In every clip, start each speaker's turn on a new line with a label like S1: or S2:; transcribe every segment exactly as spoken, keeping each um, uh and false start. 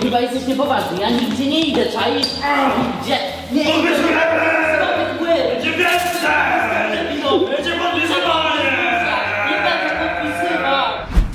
S1: Kurwa, jesteś niepoważny, ja nigdzie nie idę, czaisz? Gdzie? Nie idę! Zrobię pły!
S2: Będzie więcej!
S1: No,
S2: Będzie podpisywanie!
S1: nie będę podpisywał!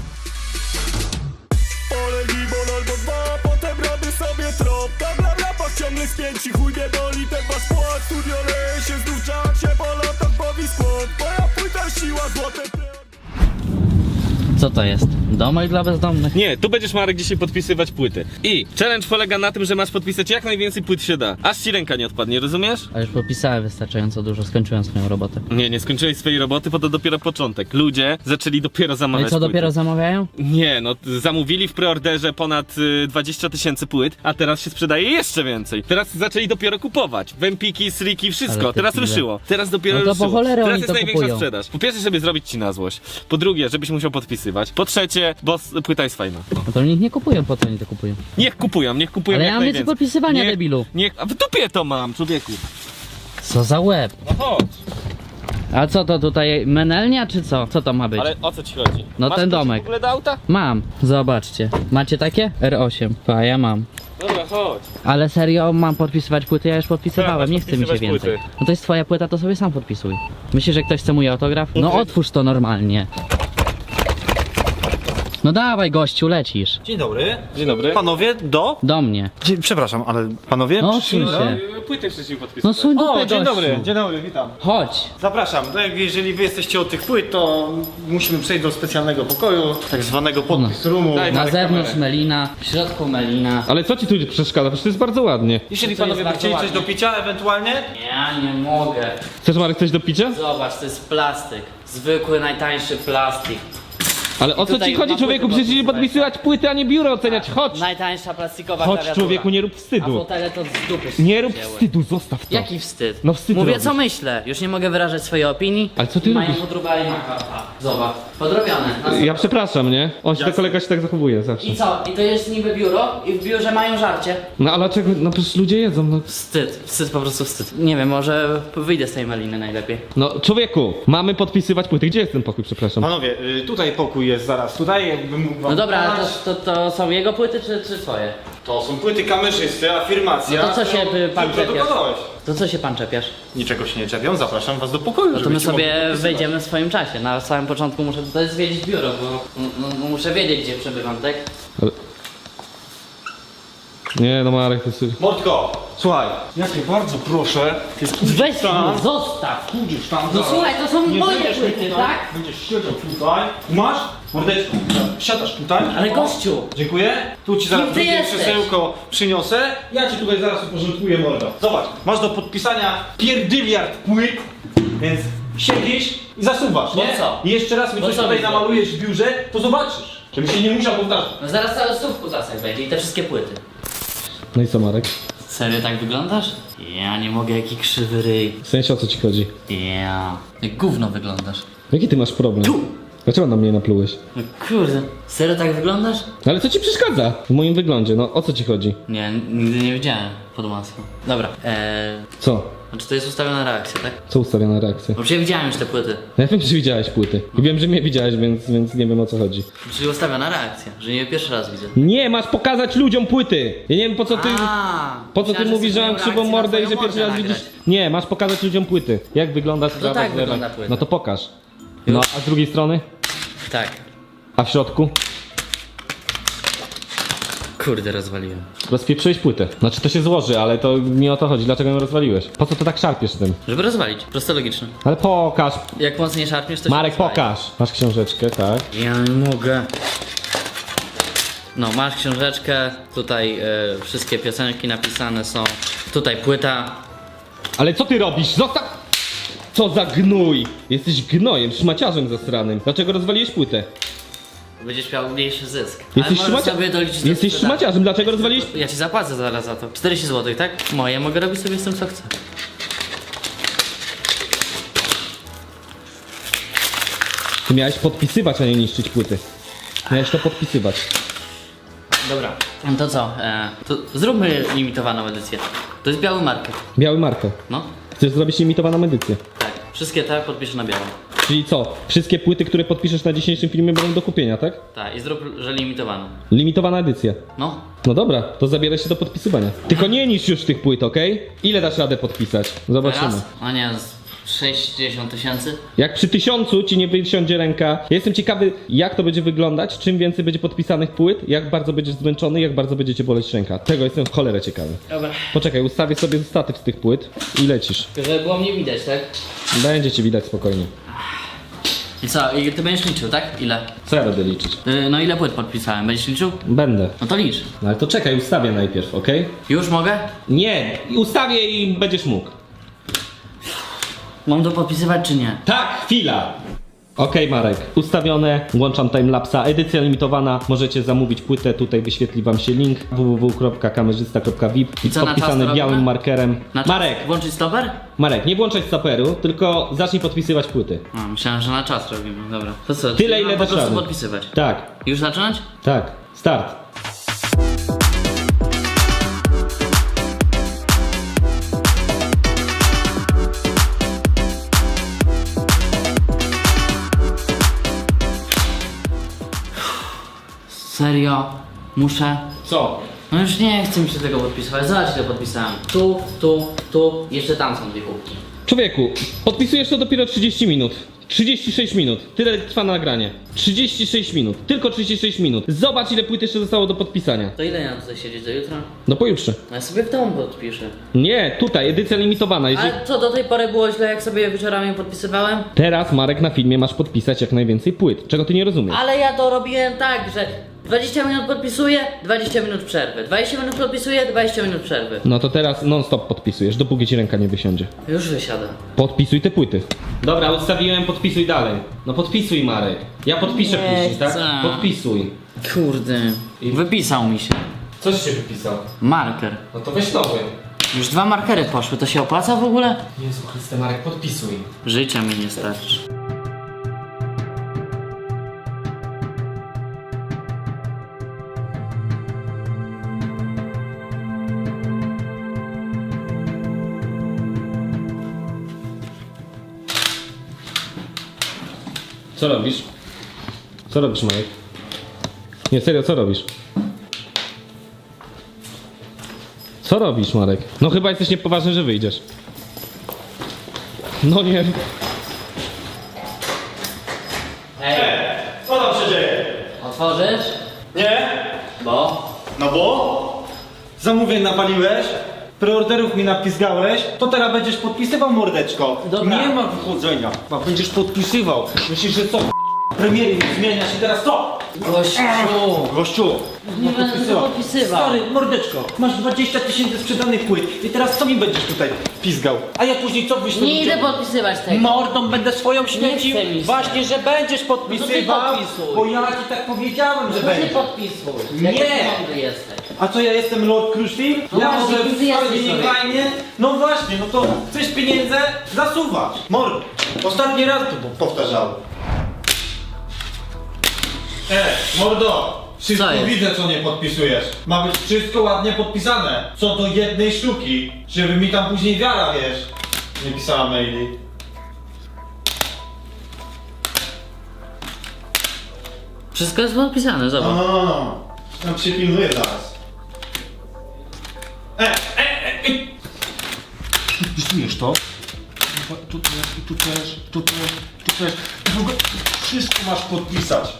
S3: Olej gibon albo dwa, potem robię sobie trop. Tam na rapach ciągle spięci, chuj mnie boli ten wasz płat. Studio leje się, znów czak się po latach bawi skład. Moja płyta siła, złote pręt.
S1: Co to jest? Domek dla bezdomnych?
S4: Nie, tu będziesz, Marek, dzisiaj podpisywać płyty. I challenge polega na tym, że masz podpisać jak najwięcej płyt się da. Aż ci ręka nie odpadnie, rozumiesz?
S1: A już podpisałem wystarczająco dużo, skończyłem swoją robotę.
S4: Nie, nie skończyłeś swojej roboty, bo to dopiero początek. Ludzie zaczęli dopiero
S1: No
S4: zamawiać
S1: i co,
S4: płyty.
S1: dopiero zamawiają?
S4: Nie, no zamówili w preorderze ponad y, dwadzieścia tysięcy płyt, a teraz się sprzedaje jeszcze więcej. Teraz zaczęli dopiero kupować. Wempiki, sriki, wszystko.
S1: Ale ty
S4: Teraz
S1: pizdę.
S4: ruszyło. Teraz dopiero
S1: No to po
S4: ruszyło.
S1: cholerę
S4: Teraz
S1: oni
S4: jest
S1: to
S4: największa
S1: kupują.
S4: sprzedaż. Po pierwsze, żeby zrobić ci na złość. Po drugie, żebyś musiał podpisywać. Po trzecie, bo s- płyta jest fajna.
S1: No to niech nie kupują, po co oni to kupują?
S4: Niech kupują, niech kupują
S1: Ale
S4: jak
S1: ja mam więcej
S4: najwięcej.
S1: podpisywania,
S4: Niech-
S1: debilu.
S4: Niech, a w dupie to mam, człowieku.
S1: Co za łeb?
S4: No chodź.
S1: A co to tutaj, menelnia czy co? Co to ma być?
S4: Ale o co ci chodzi?
S1: No
S4: Masz
S1: ten
S4: kluczyk
S1: domek.
S4: w ogóle do auta?
S1: Mam, zobaczcie. Macie takie? R osiem. Pa, ja mam.
S4: Dobra, chodź.
S1: Ale serio, mam podpisywać płyty? Ja już podpisywałem,
S4: Tak,
S1: nie chce mi się
S4: podpisywać
S1: więcej.
S4: płyty.
S1: No to jest twoja płyta, to sobie sam podpisuj. Myślisz, że ktoś chce mój autograf? No
S4: Okej.
S1: otwórz to normalnie. No dawaj gościu, lecisz.
S5: Dzień dobry.
S4: Dzień dobry.
S5: Panowie, do?
S1: Do mnie.
S5: Dzie przepraszam, ale panowie?
S1: No
S5: przyszli-
S1: odsuń się.
S4: No, płytę wcześniej
S1: No
S4: podpisać.
S1: suń dupę,
S5: O, dzień
S1: gościu.
S5: dobry, dzień dobry, witam.
S1: Chodź.
S5: Zapraszam. No, jak- jeżeli wy jesteście od tych płyt, to musimy przejść do specjalnego pokoju, tak zwanego podpis roomu.
S4: Daj,
S1: Na
S4: Marek,
S1: zewnątrz
S4: kamerę.
S1: melina, w środku melina.
S4: Ale co ci tu przeszkadza? Przecież to jest bardzo ładnie.
S5: Jeżeli
S1: To jest
S5: panowie by
S1: bardzo
S5: chcieli coś
S1: ładnie.
S5: do picia ewentualnie,
S1: Ja nie mogę.
S4: Chcesz, Marek, coś do picia?
S1: Zobacz, to jest plastyk. Zwykły, najtańszy plastik.
S4: Ale o co
S1: tutaj
S4: ci chodzi,
S1: na
S4: człowieku?
S1: płyty
S4: Przecież nie
S1: podpisywać.
S4: podpisywać płyty, a nie biuro oceniać. Chodź!
S1: Najtańsza plastikowa
S4: Chodź,
S1: klawiatura.
S4: człowieku, nie rób
S1: A
S4: wstydu.
S1: fotele to z dupy się
S4: Nie rób
S1: wzięły.
S4: wstydu, zostaw to.
S1: Jaki wstyd?
S4: No wstyd
S1: Mówię
S4: robisz.
S1: co myślę, już nie mogę wyrażać swojej opinii.
S4: Ale co ty
S1: Mają
S4: robisz?
S1: podróbali maka. Zobacz, podrobione. Na
S4: Ja przepraszam, nie? On się, to kolega się tak zachowuje zawsze.
S1: I co? I to jest niby biuro i w biurze mają żarcie.
S4: No ale czego? No przecież ludzie jedzą, no.
S1: Wstyd, wstyd, po prostu wstyd. Nie wiem, może wyjdę z tej maliny najlepiej.
S4: No, człowieku, mamy podpisywać płyty. Gdzie jest ten pokój, przepraszam?
S5: panowie, y, tutaj pokój jest zaraz, tutaj jakbym mógł wam
S1: No dobra, ale
S5: pokazać.
S1: to, to, to są jego płyty czy, czy twoje?
S5: To są płyty kamerzysty, afirmacja.
S1: No to co się,
S5: którą
S1: y, pan
S5: ty
S1: czepiasz?
S5: produkowałeś.
S1: To co się pan czepiasz?
S5: Niczego się nie czepią, zapraszam was do pokoju.
S1: No to my
S5: żebyście mogli
S1: sobie
S5: podpisywać.
S1: wejdziemy w swoim czasie. Na samym początku muszę tutaj zwiedzić biuro, bo no, no, muszę wiedzieć gdzie przebywam, tak?
S4: Nie, no Marek, to jest...
S5: Mordko, słuchaj, ja cię bardzo proszę, ty
S1: Weź
S5: tam.
S1: mnie, zostaw!
S5: pójdziesz tam
S1: No
S5: zaraz.
S1: słuchaj, to są
S5: Nie
S1: moje
S5: będziesz mi
S1: płyty,
S5: tutaj,
S1: tak?
S5: Będziesz siedział tutaj. Masz? Mordeczko, siadasz tutaj.
S1: Ale
S5: O,
S1: gościu!
S5: dziękuję. Tu ci zaraz
S1: Kim ty
S5: drugie
S1: jesteś?
S5: krzesełko przyniosę. Ja ci tutaj zaraz uporządkuję mordo. Zobacz, masz do podpisania pierdyliard płyt, więc siedzisz i zasuwasz,
S1: Bo
S5: nie?
S1: co?
S5: I jeszcze raz mi
S1: Bo
S5: coś
S1: co
S5: tutaj
S1: mi
S5: namalujesz w biurze, to zobaczysz. Żeby się nie musiał powtarzać.
S1: No zaraz cały stów kutasek będzie i te wszystkie płyty.
S4: No i co, Marek?
S1: Serio tak wyglądasz? Ja nie mogę, jaki krzywy ryj.
S4: W sensie, o co ci chodzi?
S1: Ja. Jak gówno wyglądasz.
S4: Jaki ty masz problem?
S1: Tu!
S4: Dlaczego na mnie naplułeś?
S1: No kurde, serio tak wyglądasz?
S4: Ale co ci przeszkadza w moim wyglądzie? No, o co ci chodzi?
S1: Nie, nigdy nie widziałem pod maską. Dobra, eee...
S4: Co?
S1: Znaczy to jest ustawiona reakcja, tak?
S4: Co ustawiona reakcja?
S1: Bo przecież widziałem już te płyty.
S4: Ja wiem, że widziałeś płyty. I wiem, że mnie widziałeś, więc, więc nie wiem, o co chodzi.
S1: Czyli ustawiona reakcja, że nie pierwszy raz widzę.
S4: Nie, masz pokazać ludziom płyty! Ja nie wiem, po co ty...
S1: A,
S4: Po co ty
S1: myślałem, że
S4: mówisz, że mam
S1: chcesz
S4: krzywą
S1: moją
S4: mordę i
S1: reakcję
S4: że
S1: na
S4: pierwszy
S1: twoją
S4: raz
S1: mordę
S4: widzisz?
S1: nagrać.
S4: Nie, masz pokazać ludziom płyty. Jak wygląda
S1: to
S4: sprawa
S1: tak
S4: z
S1: wygląda
S4: lewem.
S1: płyta.
S4: No to pokaż. No, a z drugiej strony?
S1: Tak.
S4: A w środku?
S1: Kurde, rozwaliłem.
S4: Rozpieprzyłeś płytę. Znaczy to się złoży, ale to nie o to chodzi. Dlaczego ją rozwaliłeś? Po co to tak szarpiesz tym?
S1: Żeby rozwalić, prosto logiczne.
S4: Ale pokaż.
S1: Jak mocniej szarpniesz, to się
S4: Marek,
S1: rozwali.
S4: pokaż. Masz książeczkę, tak?
S1: Ja nie mogę. No, masz książeczkę, tutaj e, wszystkie piosenki napisane są. Tutaj płyta.
S4: Ale co ty robisz? Zostaw! Co za gnój! Jesteś gnojem, szmaciarzem zasranym. Dlaczego rozwaliłeś płytę?
S1: Będziesz miał mniejszy zysk.
S4: Jesteś,
S1: Ale możesz
S4: szmacia...
S1: sobie doliczyć do
S4: Jesteś
S1: sprzedaży.
S4: szmaciarzem, dlaczego rozwaliłeś...
S1: Ja ci zapłacę zaraz za to. czterdzieści złotych, tak? Moje, mogę robić sobie z tym co chcę.
S4: Ty miałeś podpisywać, a nie niszczyć płyty. Miałeś to podpisywać.
S1: Dobra. No to co? E, to zróbmy limitowaną edycję. To jest biały marker.
S4: Biały marker.
S1: No.
S4: Chcesz zrobić limitowaną edycję.
S1: Tak. Wszystkie te podpiszę na biało.
S4: Czyli co? Wszystkie płyty, które podpiszesz na dzisiejszym filmie będą do kupienia, tak?
S1: Tak, i zrób, że limitowany.
S4: Limitowana edycja.
S1: No.
S4: No dobra, to zabieraj się do podpisywania. Tylko nie niszcz już tych płyt, okej? Ile dasz radę podpisać? Zobaczymy.
S1: Teraz? A nie, z sześćdziesiąt tysięcy?
S4: Jak przy tysiącu ci nie wysiądzie ręka. Ja jestem ciekawy, jak to będzie wyglądać, czym więcej będzie podpisanych płyt, jak bardzo będziesz zmęczony, jak bardzo będzie cię boleć ręka. Tego jestem w cholerę ciekawy.
S1: Dobra.
S4: Poczekaj, ustawię sobie statyw z tych płyt i lecisz.
S1: Żeby było mnie widać, tak?
S4: Będzie cię widać spokojnie.
S1: I co, i ty będziesz liczył, tak? Ile?
S4: Co ja będę liczyć?
S1: Yy, no ile płyt podpisałem? Będziesz liczył?
S4: Będę.
S1: No to licz.
S4: No ale to czekaj, ustawię najpierw, okej?
S1: Już mogę?
S4: Nie, ustawię i będziesz mógł.
S1: Mam to podpisywać czy nie?
S4: Tak, chwila! Okej, Marek, ustawione, włączam timelapsa, edycja limitowana, możecie zamówić płytę, tutaj wyświetli wam się link w w w kropka kamerzysta kropka v i
S1: I co, na
S4: podpisany
S1: czas
S4: białym
S1: robimy?
S4: markerem.
S1: Na czas
S4: Marek,
S1: włączyć stoper?
S4: Marek, nie włączaj stoperu, tylko zacznij podpisywać płyty.
S1: A, myślałem, że na czas robimy, dobra. To co?
S4: Tyle,
S1: czyli
S4: ile
S1: mam po
S4: dasz
S1: prostu
S4: rady.
S1: podpisywać.
S4: Tak,
S1: Już zacząć?
S4: tak, start.
S1: Serio? Muszę?
S4: Co?
S1: No już nie chcę mi się tego podpisywać. Zobacz ile podpisałem. Tu, tu, tu, jeszcze tam są dwie kubki.
S4: Człowieku, podpisujesz to dopiero trzydzieści minut. trzydzieści sześć minut. Tyle trwa nagranie. trzydzieści sześć minut. Tylko trzydzieści sześć minut. Zobacz, ile płyt jeszcze zostało do podpisania.
S1: To ile ja mam tutaj siedzieć do jutra?
S4: No pojutrze.
S1: No ja sobie w domu podpiszę.
S4: Nie, tutaj, edycja limitowana. Jeżeli...
S1: Ale co, do tej pory było źle, jak sobie wieczorami podpisywałem?
S4: Teraz, Marek, na filmie masz podpisać jak najwięcej płyt. Czego ty nie rozumiesz?
S1: Ale ja to robiłem tak, że dwadzieścia minut podpisuję, dwadzieścia minut przerwy. dwadzieścia minut podpisuję, dwadzieścia minut przerwy.
S4: No to teraz non-stop podpisujesz, dopóki ci ręka nie wysiądzie.
S1: Już wysiadam.
S4: Podpisuj te płyty. Dobra, ustawiłem, podpisuj dalej. No podpisuj, Marek. Ja podpiszę
S1: Nie
S4: później, tak?
S1: chcę.
S4: Podpisuj.
S1: Kurde. Wypisał mi się.
S4: Coś się wypisał.
S1: Marker.
S4: No to weź nowy.
S1: Już dwa markery poszły, to się opłaca w ogóle?
S4: Jezu Chryste, Marek, podpisuj.
S1: Życia mi nie starczy.
S4: Co robisz? Co robisz, Marek? Nie, serio, co robisz? Co robisz, Marek? No chyba jesteś niepoważny, że wyjdziesz. No nie.
S1: Hej,
S3: Co tam się dzieje?
S1: otworzysz?
S3: Nie?
S1: Bo?
S3: No bo? Zamówień napaliłeś? Preorderów mi napisgałeś? To teraz będziesz podpisywał, mordeczko.
S1: Dobra.
S3: Nie ma wychodzenia. A będziesz podpisywał. Myślisz, że co? Premiery zmienia się teraz co?
S1: Gościu!
S3: Gościu,
S1: Nie będę tego podpisywał.
S3: Stary, mordeczko, masz dwadzieścia tysięcy sprzedanych płyt i teraz co mi będziesz tutaj pizgał? A ja później co wyślę?
S1: Nie idę podpisywać tego.
S3: Mordą będę swoją śmiecił.
S1: chce mi się.
S3: Właśnie, że będziesz podpisywał,
S1: podpisuj.
S3: bo ja ci tak powiedziałem, że
S1: To ty
S3: będziesz.
S1: podpisuj.
S3: Nie.
S1: Jak ty mądry jesteś.
S3: A co, ja jestem Lord Crushfield?
S1: No
S3: Ja
S1: właśnie,
S3: może
S1: ty
S3: wcale
S1: jesteś
S3: nie
S1: sobie.
S3: fajnie? No właśnie, no to chcesz pieniędzy? Zasuwasz. Mord. Ostatni raz to powtarzałem. E, mordo! Wszystko
S1: Co jest?
S3: widzę, co nie podpisujesz. Ma być wszystko ładnie podpisane. Co do jednej sztuki. Żeby mi tam później wiara, wiesz. Nie pisała maili.
S1: Wszystko jest podpisane,
S3: No,
S1: zobacz.
S3: no, no, no. Tam się pilnuję zaraz. E, e, e, e. Podpisujesz to? Tu też, i tu też, tu też, tu też. I w ogóle wszystko masz podpisać.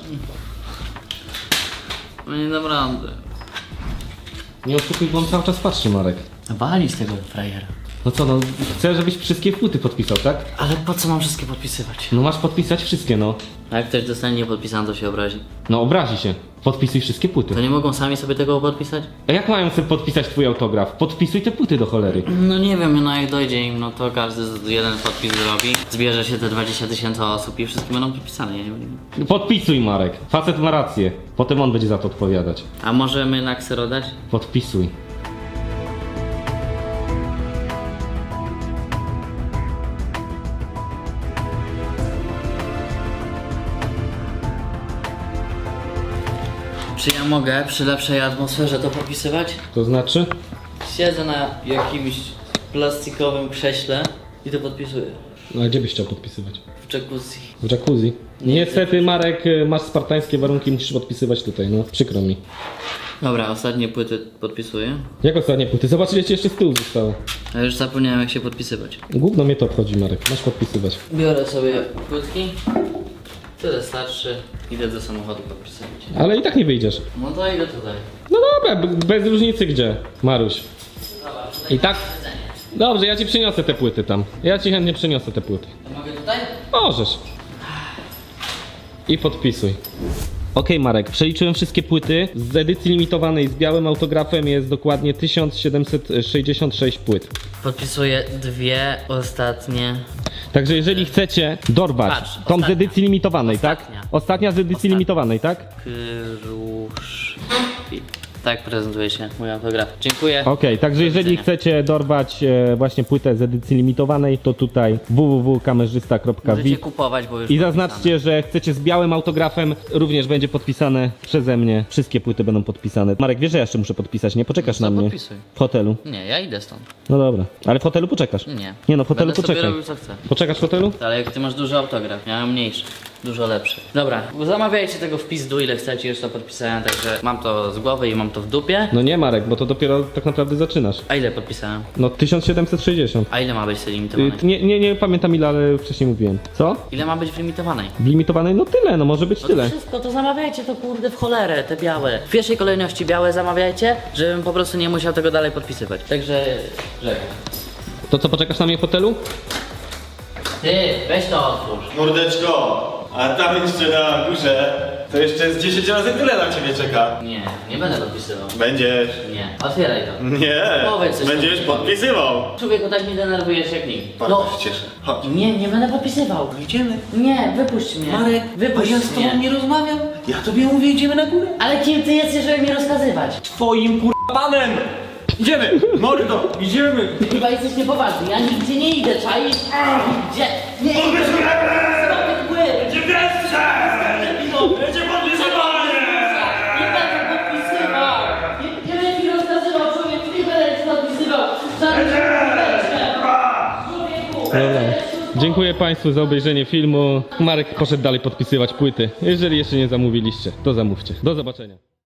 S1: No nie dam rady.
S4: Nie oszukuj, bo on cały czas patrzy, Marek.
S1: Wali z tego frajera.
S4: No co, no chcę, żebyś wszystkie płyty podpisał, tak?
S1: Ale po co mam wszystkie podpisywać?
S4: No masz podpisać wszystkie, no.
S1: A jak ktoś dostanie niepodpisane, to się obrazi.
S4: No obrazi się. Podpisuj wszystkie płyty.
S1: To nie mogą sami sobie tego podpisać?
S4: A jak mają sobie podpisać twój autograf? Podpisuj te płyty do cholery.
S1: No nie wiem, no jak dojdzie im, no to każdy z- jeden podpis zrobi. Zbierze się te dwadzieścia tysięcy osób i wszystkie będą podpisane, ja nie wiem.
S4: Podpisuj, Marek. Facet ma rację. Potem on będzie za to odpowiadać.
S1: A możemy na ksero dać?
S4: Podpisuj.
S1: Czy ja mogę przy lepszej atmosferze to podpisywać?
S4: To znaczy?
S1: Siedzę na jakimś plastikowym krześle i to podpisuję.
S4: No a gdzie byś chciał podpisywać?
S1: W jacuzzi.
S4: W jacuzzi. Niestety Marek, y, masz spartańskie warunki, musisz podpisywać tutaj, no przykro mi.
S1: Dobra, ostatnie płyty podpisuję.
S4: Jak ostatnie płyty? Zobacz ile ci jeszcze z tyłu zostało.
S1: A już zapomniałem jak się podpisywać.
S4: Gówno mnie to obchodzi Marek, masz podpisywać.
S1: Biorę sobie płytki. Tyle starszy. Idę do samochodu podpisywać.
S4: Ale i tak nie wyjdziesz.
S1: No to idę tutaj.
S4: No dobra, b- bez różnicy gdzie, Maruś. I tak? Dobrze, ja ci przyniosę te płyty tam. Ja ci chętnie przyniosę te płyty.
S1: To mogę tutaj?
S4: Możesz. I podpisuj. Okej Marek, przeliczyłem wszystkie płyty. Z edycji limitowanej z białym autografem jest dokładnie tysiąc siedemset sześćdziesiąt sześć płyt.
S1: Podpisuję dwie ostatnie.
S4: Także jeżeli chcecie dorwać
S1: Patrz,
S4: tą z
S1: ostatnia.
S4: edycji limitowanej,
S1: Ostatnia.
S4: tak? Ostatnia z edycji
S1: Ostatnia.
S4: limitowanej, tak?
S1: Kruszwil. Tak prezentuje się mój autograf. Dziękuję.
S4: Okej, także jeżeli
S1: widzenia.
S4: chcecie dorwać e, właśnie płytę z edycji limitowanej, to tutaj w w w kropka kamerzysta kropka
S1: Możecie
S4: vid
S1: kupować, bo już
S4: i
S1: podpisane.
S4: zaznaczcie, że chcecie z białym autografem, również będzie podpisane przeze mnie. Wszystkie płyty będą podpisane. Marek, wiesz, że ja jeszcze muszę podpisać, nie? Poczekasz
S1: No to
S4: na mnie
S1: podpisuj.
S4: w hotelu.
S1: Nie, ja idę stąd.
S4: No dobra, ale w hotelu poczekasz.
S1: Nie.
S4: Nie no, w hotelu
S1: Będę sobie
S4: poczekaj.
S1: robił co chcę.
S4: Poczekasz w hotelu?
S1: Ale jak ty masz duży autograf, ja mam mniejszy. Dużo lepszy. Dobra, zamawiajcie tego w pizdu ile chcecie, już to podpisałem, także mam to z głowy i mam to w dupie.
S4: No nie Marek, bo to dopiero tak naprawdę zaczynasz.
S1: A ile podpisałem?
S4: No tysiąc siedemset sześćdziesiąt.
S1: A ile ma być w tej
S4: Y,
S1: limitowanej?
S4: Nie, nie, nie pamiętam ile, ale wcześniej mówiłem. Co?
S1: Ile ma być w limitowanej?
S4: W limitowanej? No tyle, no może być
S1: No to
S4: tyle.
S1: wszystko, to zamawiajcie to kurde w cholerę, te białe. W pierwszej kolejności białe zamawiajcie, żebym po prostu nie musiał tego dalej podpisywać. Także żegnam.
S4: To co, poczekasz na mnie w hotelu?
S1: Ty, weź to otwórz.
S6: Mordeczko, a tam jeszcze na górze to jeszcze jest dziesięć razy tyle na ciebie czeka.
S1: Nie, nie będę podpisywał.
S6: Będziesz.
S1: Nie, otwieraj to.
S6: Nie,
S1: Powiedz coś
S6: będziesz
S1: takiego.
S6: podpisywał.
S1: Człowieku, tak mnie denerwujesz jak nikt.
S6: Bardzo się cieszę. Chodź.
S1: Nie, nie będę podpisywał.
S6: Idziemy.
S1: Nie, wypuść mnie.
S6: Marek,
S1: wypuść
S6: a ja z tobą
S1: mnie.
S6: nie rozmawiam. Ja tobie mówię, idziemy na górę.
S1: Ale kim ty jesteś, żeby mi rozkazywać?
S5: Twoim kur... panem! Idziemy! Mordo, idziemy!
S1: Chyba jesteś niepoważny, ja nigdzie nie idę, czaisz? Gdzie? Nie idę! Zrobię mgły!
S2: Będzie wreszcie! Będzie podpisywanie!
S1: Nie będę podpisywał! Nie, nie będę mi rozkazywał, człowieku, nie będę ci podpisywał! Żadnych człowieku!
S4: Dobra. Dziękuję Państwu za obejrzenie filmu. Marek poszedł dalej podpisywać płyty. Jeżeli jeszcze nie zamówiliście, to zamówcie. Do zobaczenia.